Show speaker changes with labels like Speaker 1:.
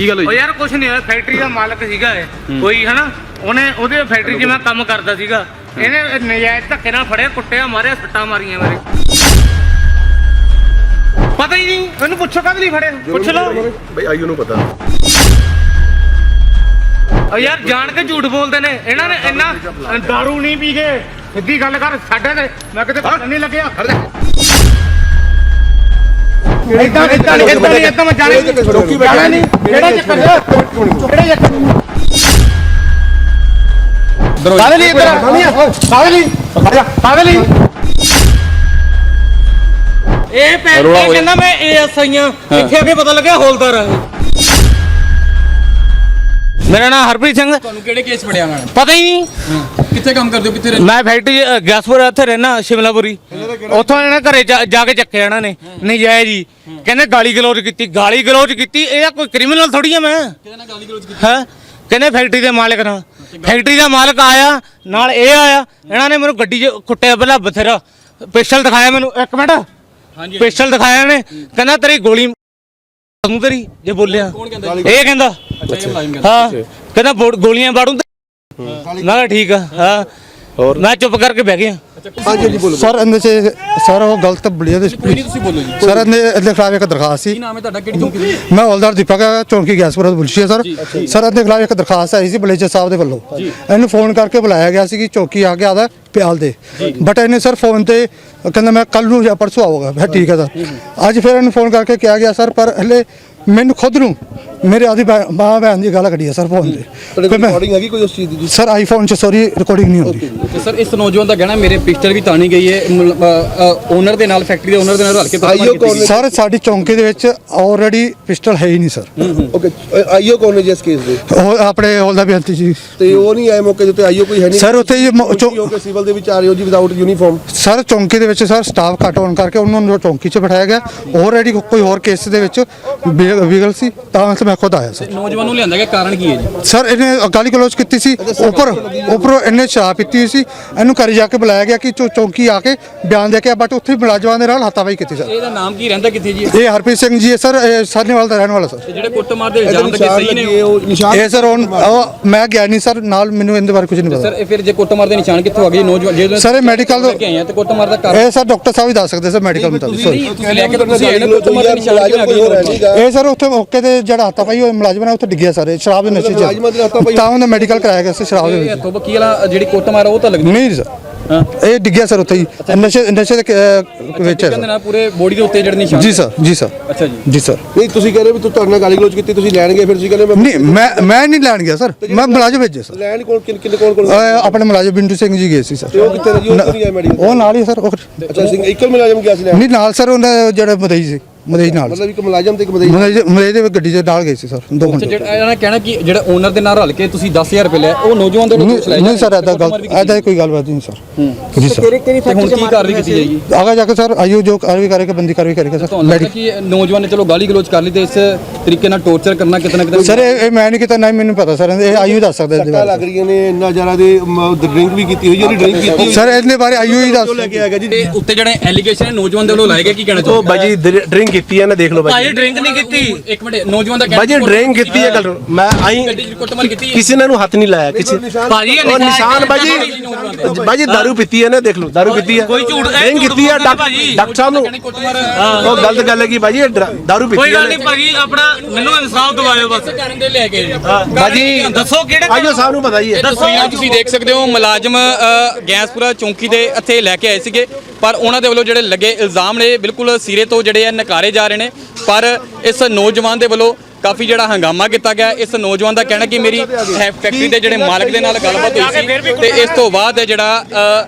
Speaker 1: ਕੀ ਗੱਲ ਹੋਈ?
Speaker 2: ਯਾਰ ਕੁਛ ਨਹੀਂ ਹੋਇਆ, ਫੈਕਟਰੀ ਦਾ ਮਾਲਕ ਸੀਗਾ ਇਹ ਕੋਈ ਹਨਾ, ਉਹਦੇ ਫੈਕਟਰੀ 'ਚ ਮੈਂ ਕੰਮ ਕਰਦਾ ਸੀਗਾ, ਇਹਨੇ ਨਜਾਇਜ਼ ਧੱਕੇ ਨਾਲ ਫੜਿਆ, ਕੁੱਟਿਆ, ਮਾਰਿਆ, ਸੱਟਾਂ ਮਾਰੀਆਂ ਮੇਰੇ। ਪਤਾ ਹੀ ਨਹੀਂ ਇਹਨੂੰ, ਪੁੱਛੋ ਕਦ ਲਈ ਫੜਿਆ, ਪੁੱਛ ਲਓ
Speaker 1: ਬਈ ਆਈਓ ਨੂੰ ਪਤਾ।
Speaker 2: ਯਾਰ ਜਾਣ ਕੇ ਝੂਠ ਬੋਲਦੇ ਨੇ ਇਹਨਾਂ ਨੇ, ਇੰਨਾ ਦਾਰੂ ਨਹੀਂ ਪੀ ਕੇ ਸਿੱਧੀ ਗੱਲ ਕਰ ਸਾਡੇ ਤੇ, ਮੈਂ ਕਿਤੇ ਪਤਾ ਨਹੀਂ ਲੱਗਿਆ। ਇਦਾਂ ਮੈਂ ਜਾਣੇ ਨਹੀਂ, ਕਿਹੜਾ ਚੱਕਰ ਕਿਹੜਾ ਚੱਕਰ ਕਾਹਦੇ ਲਈ ਇੱਧਰ ਕਾਹਦੇ ਲਈ ਕਾਹਦੇ ਲਈ ਇਹ ਕਹਿੰਦਾ ਮੈਂ ASI ਆ, ਇੱਥੇ ਆ ਕੇ ਪਤਾ ਲੱਗਿਆ ਹੌਲਦਾਰ ਆ। ਮੇਰਾ ਨਾਮ ਹਰਪ੍ਰੀਤ ਸਿੰਘ।
Speaker 3: ਤੁਹਾਨੂੰ ਕਿਹੜੇ ਕੇਸ ਫੜਿਆ ਉਹਨਾਂ ਨੇ?
Speaker 2: ਪਤਾ ਹੀ ਨਹੀਂ।
Speaker 3: ਕਿੱਥੇ ਕੰਮ ਕਰਦੇ ਹੋ, ਕਿੱਥੇ ਰਹਿੰਦੇ?
Speaker 2: ਮੈਂ ਫੈਕਟਰੀ ਗੈਸਪੁਰ ਇੱਥੇ ਰਹਿਣਾ, ਸ਼ਿਮਲਾਪੁਰੀ। ਉੱਥੋਂ ਇਹਨਾਂ ਘਰੇ ਜਾ ਕੇ ਚੱਕਿਆ ਇਹਨਾਂ ਨੇ ਨਜਾਇਜ਼ ਜੀ, ਕਹਿੰਦੇ ਗਾਲੀ ਗਲੋਚ ਕੀਤੀ। ਇਹਦਾ ਕੋਈ ਕ੍ਰਿਮੀਨਲ ਥੋੜੀ ਆ ਮੈਂ।
Speaker 3: ਕਿਹਦੇ ਨਾਲ ਗਾਲੀ ਗਲੋਚ ਕੀਤੀ?
Speaker 2: ਹੈ ਕਹਿੰਦੇ ਫੈਕਟਰੀ ਦੇ ਮਾਲਕ ਨਾਲ। ਫੈਕਟਰੀ ਦਾ ਮਾਲਕ ਆਇਆ ਨਾਲ, ਇਹ ਆਇਆ, ਇਹਨਾਂ ਨੇ ਮੈਨੂੰ ਗੱਡੀ 'ਚ ਕੁੱਟਿਆ ਪਹਿਲਾਂ ਬਥੇਰਾ, ਪਿਸਟਲ ਦਿਖਾਇਆ ਮੈਨੂੰ। ਇੱਕ ਮਿੰਟ,
Speaker 3: ਹਾਂਜੀ
Speaker 2: ਪਿਸਟਲ ਦਿਖਾਇਆ ਇਹਨੇ, ਕਹਿੰਦਾ ਤੇਰੀ ਗੋਲੀ ਤੇਰੀ ਜੇ ਬੋਲਿਆ।
Speaker 3: ਕੌਣ ਕਹਿੰਦਾ?
Speaker 2: ਇਹ ਕਹਿੰਦਾ
Speaker 3: ਅੱਛਾ, ਇਹ ਮੁਲਾਜ਼ਮ ਕਹਿੰਦਾ।
Speaker 2: ਹਾਂ, ਕਹਿੰਦਾ ਗੋਲੀਆਂ ਬਾੜੂ। ਮੈਂ ਕਿਹਾ ਠੀਕ ਆ। ਹਾਂ, ਹੋਰ ਮੈਂ ਚੁੱਪ ਕਰਕੇ ਬਹਿ ਗਿਆ।
Speaker 4: ਸਰ ਇਹਦੇ ਚ ਸਰ ਉਹ ਗਲਤ ਬਲੀਆ ਦੇ
Speaker 3: ਕੋਈ ਨਹੀਂ, ਤੁਸੀਂ ਬੋਲੋ ਜੀ।
Speaker 4: ਸਰ ਇਹਦੇ ਖਿਲਾਫ ਇੱਕ ਦਰਖਾਸਤ ਸੀ।
Speaker 3: ਕੀ ਨਾਮ ਹੈ ਤੁਹਾਡਾ, ਕਿਹੜੀ ਚੌਂਕੀ ਦੀ?
Speaker 4: ਮੈਂ ਹੌਲਦਾਰ ਦੀਪਕ ਚੌਂਕੀ ਗੈਸਪੁਰਾ ਤੋਂ ਬੁਲਸ਼ੀ ਸਰ। ਸਰ ਇਹਦੇ ਖਿਲਾਫ ਇੱਕ ਦਰਖਾਸਤ ਆਈ ਸੀ ਬਲੇਜਰ ਸਾਹਿਬ ਦੇ ਵੱਲੋਂ। ਇਹਨੂੰ ਫੋਨ ਕਰਕੇ ਬੁਲਾਇਆ ਗਿਆ ਸੀ ਕਿ ਚੌਕੀ ਆ ਕੇ ਆਦਾ ਪਿਆਲ ਦੇ, ਬਟ ਇਹਨੇ ਸਰ ਫੋਨ ਤੇ ਕਹਿੰਦਾ ਮੈਂ ਕੱਲ ਨੂੰ ਜਾਂ ਪਰਸੋਂ ਆਊਗਾ। ਮੈਂ ਠੀਕ ਹੈ ਸਰ। ਅੱਜ ਫਿਰ ਇਹਨੂੰ ਫੋਨ ਕਰਕੇ ਕਿਹਾ ਗਿਆ ਸਰ, ਪਰ ਹਲੇ ਮੈਨੂੰ ਖੁਦ ਨੂੰ ਮੇਰੇ ਆਦੀ ਮਾਂ ਭੈਣ ਦੀ ਗੱਲ ਕੱਢੀ ਹੈ ਸਰ ਫੋਨ ਤੇ।
Speaker 1: ਰਿਕਾਰਡਿੰਗ ਹੈਗੀ ਕੋਈ ਉਸ ਚੀਜ਼ ਦੀ?
Speaker 4: ਸਰ ਆਈਫੋਨ 'ਚ ਸੌਰੀ ਰਿਕਾਰਡਿੰਗ ਨਹੀਂ ਹੁੰਦੀ।
Speaker 3: ਤੇ ਸਰ ਇਸ ਨੌਜਵਾਨ ਦਾ ਕਹਿਣਾ ਮੇਰੇ ਪਿਸਟਲ ਵੀ ਤਾਣੀ ਗਈ ਹੈ, ਓਨਰ ਦੇ ਨਾਲ, ਫੈਕਟਰੀ ਦੇ ਓਨਰ ਦੇ ਨਾਲ ਰਲ ਕੇ।
Speaker 4: ਸਰ ਸਾਡੀ ਚੌਂਕੀ ਦੇ ਵਿੱਚ ਆਲਰੇਡੀ ਪਿਸਟਲ ਹੈ ਹੀ ਨਹੀਂ ਸਰ।
Speaker 1: ਓਕੇ, ਆਈਓ ਕੌਣ ਹੈ ਜੀ ਇਸ ਕੇਸ ਦੇ?
Speaker 4: ਉਹ ਆਪਣੇ ਹੌਲਦਾਰ ਬੇਨਤੀ ਜੀ।
Speaker 1: ਤੇ ਉਹ ਨਹੀਂ ਆਏ ਮੌਕੇ ਦੇ ਉੱਤੇ? ਆਈਓ ਕੋਈ ਹੈ ਨਹੀਂ
Speaker 4: ਸਰ ਉੱਥੇ
Speaker 1: ਸਿਵਲ ਦੇ ਵਿੱਚ ਆ ਰਹੇ ਹੋ ਜੀ ਵਿਦਆਊਟ ਯੂਨੀਫਾਰਮ?
Speaker 4: ਸਰ ਚੌਂਕੀ ਦੇ ਵਿੱਚ ਸਰ ਸਟਾਫ ਘੱਟ ਹੋਣ ਕਰਕੇ ਉਹਨਾਂ ਨੂੰ ਚੌਂਕੀ 'ਚ ਬਿਠਾਇਆ ਗਿਆ। ਆਲਰੇਡੀ ਕੋਈ ਹੋਰ ਕੇਸ ਦੇ ਵਿੱਚ ਵਿਗਲ ਸੀ, ਤਾਂ ਮੈਂ ਖੁਦ ਆਇਆ ਸਰ।
Speaker 3: ਨੌਜਵਾਨ ਨੂੰ ਲਿਆਂਦਾ ਗਿਆ, ਕਾਰਨ ਕੀ ਹੈ ਜੀ?
Speaker 4: ਸਰ ਇਹਨੇ ਗਾਲੀ ਗਲੋਚ ਕੀਤੀ ਸੀ, ਉੱਪਰੋਂ ਇਹਨੇ ਸ਼ਰਾਬ ਪੀਤੀ ਹੋਈ ਸੀ। ਇਹਨੂੰ ਘਰ ਜਾ ਕੇ ਬੁਲਾਇਆ ਗਿਆ ਕਿ ਚੌਂਕੀ ਆ ਕੇ ਬਿਆਨ ਦੇ ਕੇ, ਬਟ ਉੱਥੇ ਮੁਲਾਜ਼ਮਾਂ ਦੇ ਨਾਲ ਹੱਥਾਪਾਈ ਕੀਤੀ ਸਰ।
Speaker 3: ਇਹਦਾ ਨਾਮ ਕੀ ਰਹਿੰਦਾ, ਕਿੱਥੇ ਜੀ?
Speaker 4: ਇਹ ਹਰਪ੍ਰੀਤ ਸਿੰਘ ਜੀ ਹੈ ਸਰ, ਇਹ ਸਾਹਨੇਵਾਲ ਦਾ ਰਹਿਣ ਵਾਲਾ ਸਰ।
Speaker 3: ਜਿਹੜੇ ਕੁੱਟਮਾਰ ਦੇ ਇਲਜ਼ਾਮ ਲੱਗੇ ਸਹੀ ਨੇ?
Speaker 4: ਇਹ ਸਰ ਮੈਂ ਗਿਆ ਨਹੀਂ ਸਰ ਨਾਲ, ਮੈਨੂੰ ਇਹਦੇ ਬਾਰੇ ਕੁਝ ਨਹੀਂ ਪਤਾ
Speaker 3: ਸਰ ਇਹ ਫਿਰ ਜੇ ਕੁੱਟਮਾਰ ਦੇ ਨਿਸ਼ਾਨ ਕਿੱਥੋਂ ਆ ਗਏ ਨੌਜਵਾਨ? ਜੇ
Speaker 4: ਸਰ ਇਹ ਮੈਡੀਕਲ
Speaker 3: ਲੈ ਕੇ ਆਏ ਆ ਤੇ ਕੁੱਟਮਾਰ ਦਾ ਕਾਰਨ?
Speaker 4: ਇਹ ਸਰ ਡਾਕਟਰ ਸਾਹਿਬ ਹੀ ਦੱਸ ਸਕਦੇ ਸਰ ਮੈਡੀਕਲ ਮੁਤਾਬਿਕ।
Speaker 3: ਤੁਸੀਂ ਲੈ ਕੇ ਤਾਂ ਤੁਸੀਂ ਆਏ ਨਾ, ਕੁੱਟਮਾਰ ਦੇ ਨਿਸ਼ਾਨ ਕਿਵੇਂ ਆ ਗਏ?
Speaker 4: ਇਹ ਸਰ ਉੱਥੇ ਮੌਕੇ ਤੇ ਜਿਹੜਾ ਹੱਥਾਪਾਈ ਹੋਇਆ ਮੁਲਾਜ਼ਮ ਨੇ ਉੱਥੇ ਡਿੱਗਿਆ ਸਰ, ਸ਼ਰਾਬ ਦੇ ਨਸ਼ੇ 'ਚ, ਤਾਂ ਉਹਦਾ ਮੈਡੀਕਲ ਕਰਾਇਆ ਗਿਆ ਸੀ ਸ਼ਰਾਬ ਦੇ ਵਿੱਚ।
Speaker 3: ਹੱਥੋਂ ਬੱਕੀ ਵਾਲਾ ਜਿਹੜੀ ਕੁੱਟਮਾਰ ਉਹ ਤਾਂ ਲੱਗਦੀ
Speaker 4: ਨਹੀਂ ਸਰ, ਇਹ ਡਿੱਗਿਆ ਸਰ ਉੱਥੇ ਹੀ ਨਸ਼ੇ ਦੇ ਵਿੱਚ।
Speaker 3: ਕਹਿੰਦੇ ਨਾ ਪੂਰੇ ਬੋਡੀ ਦੇ ਉੱਤੇ ਜਿਹੜੇ ਨਿਸ਼ਾਨ?
Speaker 4: ਜੀ ਸਰ, ਜੀ ਸਰ।
Speaker 3: ਅੱਛਾ ਜੀ,
Speaker 4: ਜੀ ਸਰ।
Speaker 1: ਨਹੀਂ ਤੁਸੀਂ ਕਹਿ ਰਹੇ ਵੀ ਤੁਹਾਡੇ ਨਾਲ ਗਾਲੀ ਗਲੋਚ ਕੀਤੀ, ਤੁਸੀਂ ਲੈਣ ਗਏ, ਫਿਰ ਤੁਸੀਂ ਕਹਿੰਦੇ
Speaker 4: ਨਹੀਂ ਮੈਂ ਨਹੀਂ ਲੈਣ ਗਿਆ ਸਰ, ਮੈਂ ਮੁਲਾਜ਼ਮ ਭੇਜੇ ਸਰ।
Speaker 1: ਲੈਣ ਕੋਲ
Speaker 4: ਆਪਣੇ ਮੁਲਾਜ਼ਮ ਬਿੰਦੂ ਸਿੰਘ ਜੀ ਗਏ ਸੀ ਸਰ।
Speaker 1: ਉਹ ਕਿੱਥੇ ਜੀ? ਉਹ ਨਹੀਂ ਆਏ ਮੈਡੀਕਲ?
Speaker 4: ਉਹ ਨਾਲ ਹੀ ਸਰ।
Speaker 1: ਅੱਛਾ, ਇੱਕ ਮੁਲਾਜ਼ਮ ਗਿਆ ਸੀ ਲੈਣ?
Speaker 4: ਨਹੀਂ ਨਾਲ ਸਰ, ਉਹਨਾਂ ਜਿਹੜਾ ਮਦਈ ਸੀ, ਮਦਈ ਨਾਲ,
Speaker 1: ਮਤਲਬ ਇੱਕ ਮੁਲਾਜ਼ਮ ਤੇ ਇੱਕ
Speaker 4: ਮਦਈ ਦੇ ਗੱਡੀ ਦੇ ਨਾਲ ਗਏ ਸੀ ਸਰ 2 ਘੰਟੇ।
Speaker 3: ਜਿਹੜਾ ਇਹਨਾਂ ਨੇ ਕਹਿਣਾ ਕਿ ਜਿਹੜਾ ਓਨਰ ਦੇ ਨਾਲ ਰਲ ਕੇ ਤੁਸੀਂ 10,000 ਰੁਪਏ ਲਿਆ, ਉਹ ਨੌਜਵਾਨ ਦੇ
Speaker 4: ਨਹੀਂ ਸਰ, ਐਦਾ ਕੋਈ ਗੱਲਬਾਤ ਨਹੀਂ ਸਰ। ਜੀ ਸਰ।
Speaker 3: ਤੇ ਹੁਣ ਕੀ ਕਾਰਵਾਈ ਕੀਤੀ ਜਾਏਗੀ?
Speaker 4: ਆਗਾ ਜਾ ਕੇ ਸਰ ਆਈਓ ਜੋ ਕਾਰਵਾਈ ਕਰੇਗਾ, ਬੰਦੀ ਕਾਰਵਾਈ ਕਰੇਗਾ ਸਰ।
Speaker 3: ਤੁਹਾਨੂੰ ਲੱਗਦਾ ਕਿ ਨੌਜਵਾਨ ਨੇ ਚਲੋ ਗਾਲੀ ਗਲੋਚ ਕਰ ਲਈ ਤੇ ਇਸ ਤਰੀਕੇ ਨਾਲ ਟੌਰਚਰ ਕਰਨਾ ਕਿਤਨਾ ਕਿਤੇ?
Speaker 4: ਸਰ ਇਹ ਮੈਂ ਨਹੀਂ ਕੀਤਾ, ਨਹੀਂ ਮੈਨੂੰ ਪਤਾ ਸਰ, ਇਹ ਆਈਓ ਦੱਸ ਸਕਦਾ ਇਹਦੇ ਬਾਰੇ।
Speaker 1: ਲੱਗ ਰਹੀਆਂ ਨੇ ਇੰਨਾ ਜ਼ਿਆਦਾ ਦੇ ਡਰਿੰਕ ਵੀ ਕੀਤੀ ਹੋਈ, ਉਹਦੀ ਡਰਿੰਕ ਕੀਤੀ
Speaker 4: ਸਰ ਇਹਦੇ ਬਾਰੇ ਆਈਓ ਹੀ ਦੱਸ।
Speaker 1: ਲੈ ਕੇ ਆਏਗਾ ਜੀ।
Speaker 3: ਤੇ ਉੱਤੇ ਜਿਹੜੇ ਐਲੀਗੇਸ਼ਨ ਹੈ ਨੌਜਵਾਨ ਦੇ ਵੱਲੋਂ ਲਾਏ ਗਏ, ਕੀ ਕਹਿਣਾ ਚਾਹੁੰਦੇ?
Speaker 5: ਬਾਜੀ ਡਰਿੰਕ ਕੀਤੀ ਹੈ ਨਾ, ਦੇਖ ਲਓ
Speaker 2: ਭਾਈ ਡਰਿੰਕ ਨਹੀਂ ਕੀਤੀ।
Speaker 3: ਇੱਕ ਮਿੰਟ, ਨੌਜਵਾਨ ਦਾ
Speaker 5: ਬਾਜੀ ਡਰਿੰਕ ਕੀਤੀ ਹੈ ਗੱਲ। ਮੈਂ ਆਈ
Speaker 3: ਗੱਡੀ ਚ ਕੁੱਟਮਾਰ ਕੀਤੀ ਹੈ?
Speaker 5: ਕਿਸੇ ਨੇ ਨੂੰ ਹੱਥ ਨਹੀਂ ਲਾਇਆ ਕਿਸੇ।
Speaker 2: ਭਾਜੀ
Speaker 5: ਉਹ ਨਿਸ਼ਾਨ ਬਾਜੀ ਦਾਰੂ ਪੀਤੀ ਹੈ ਨਾ, ਦੇਖ ਲਓ ਦਾਰੂ ਪੀਤੀ ਹੈ,
Speaker 2: ਕੋਈ ਝੂਠ
Speaker 5: ਡਰਿੰਕ ਕੀਤੀ ਹੈ। ਡਾਕਟਰ ਸਾਹਿਬ ਨੂੰ ਉਹ ਗਲਤ ਗੱਲ ਹੈ ਕਿ ਬਾਜੀ ਦਾਰੂ ਪੀਤੀ ਹੈ।
Speaker 2: ਕੋਈ ਗੱਲ ਨਹੀਂ ਭਾਜੀ, ਆਪਣਾ ਮੈਨੂੰ ਇਨਸਾਫ ਦਿਵਾਇਓ ਬਸ।
Speaker 3: ਕਰਨ ਦੇ ਲੈ ਕੇ
Speaker 5: ਬਾਜੀ
Speaker 2: ਦੱਸੋ ਕਿਹੜੇ
Speaker 5: ਆਜੋ ਸਾਹਿਬ ਨੂੰ ਪਤਾ ਹੀ ਹੈ।
Speaker 3: ਤਸਵੀਰਾਂ ਤੁਸੀਂ ਦੇਖ ਸਕਦੇ ਹੋ, ਮੁਲਾਜ਼ਮ ਗੈਸਪੁਰਾ ਚੌਂਕੀ ਦੇ ਇੱਥੇ ਲੈ ਕੇ ਆਏ ਸੀਗੇ, ਪਰ ਉਹਨਾਂ ਦੇ ਵੱਲੋਂ ਜਿਹੜੇ ਲੱਗੇ ਇਲਜ਼ਾਮ ਨੇ ਬਿਲਕੁਲ ਸਿਰੇ ਤੋਂ ਜਿਹੜੇ ਆ ਨਕਾਰੇ ਜਾ ਰਹੇ ਨੇ। ਪਰ ਇਸ ਨੌਜਵਾਨ ਦੇ ਵੱਲੋਂ ਕਾਫੀ ਜਿਹੜਾ ਹੰਗਾਮਾ ਕੀਤਾ ਗਿਆ। ਇਸ ਨੌਜਵਾਨ ਦਾ ਕਹਿਣਾ ਕਿ ਮੇਰੀ ਫੈਕਟਰੀ ਦੇ ਜਿਹੜੇ ਮਾਲਕ ਦੇ ਨਾਲ ਗੱਲਬਾਤ ਹੋਈ ਸੀ ਤੇ ਇਸ ਤੋਂ ਬਾਅਦ ਜਿਹੜਾ